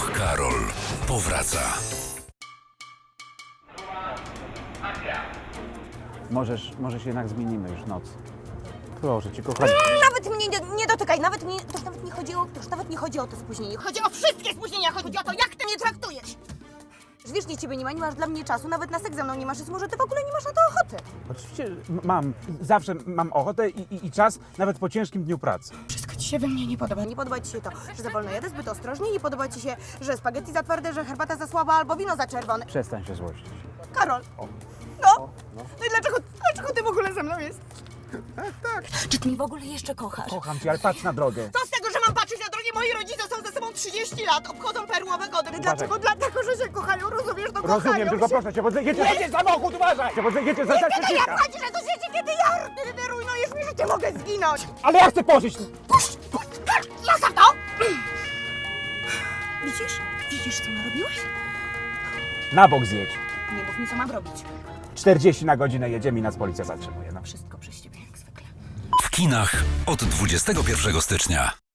Och, Karol powraca. Możesz jednak zmienimy już noc. Proszę cię, kochani. Nawet mnie nie dotykaj, to już nawet nie chodzi o to spóźnienie. Chodzi o wszystkie spóźnienia, chodzi o to, jak ty mnie traktujesz. Że wiecznie ciebie nie ma, nie masz dla mnie czasu, nawet na seks ze mną nie masz, więc może ty w ogóle nie masz na to ochoty. Oczywiście zawsze mam ochotę i czas, nawet po ciężkim dniu pracy. Wszystko ci się we mnie nie podoba. Nie podoba ci się to, że za wolno jadę, zbyt ostrożnie, nie podoba ci się, że spaghetti za twarde, że herbata za słaba albo wino za czerwone. Przestań się złościć. Karol, no i dlaczego ty w ogóle ze mną jesteś? Tak. Czy ty mnie w ogóle jeszcze kochasz? Kocham cię, ale patrz na drogę. To z tego, że mam patrzeć na drogie, moi rodzice są ze sobą 30 lat, obchodzą perłowe gody. Dlaczego? Dlatego, że się kochają, rozumiesz? No kochają Rozumiem, tylko się. proszę cię, bo jedziesz samochód, uważaj! Bo jedziesz za Kiedy ja płacisz, że to życie, kiedy ja ty rujnujesz mi życie, mogę zginąć! Ale ja chcę pożyć! Puść! Zostaw to! Widzisz, co narobiłeś? Na bok zjedź. Nie mów mi, co mam robić. 40 na godzinę jedziemy i nas policja zatrzymuje. No. Wszystko przez ciebie, jak zwykle. W kinach od 21 stycznia.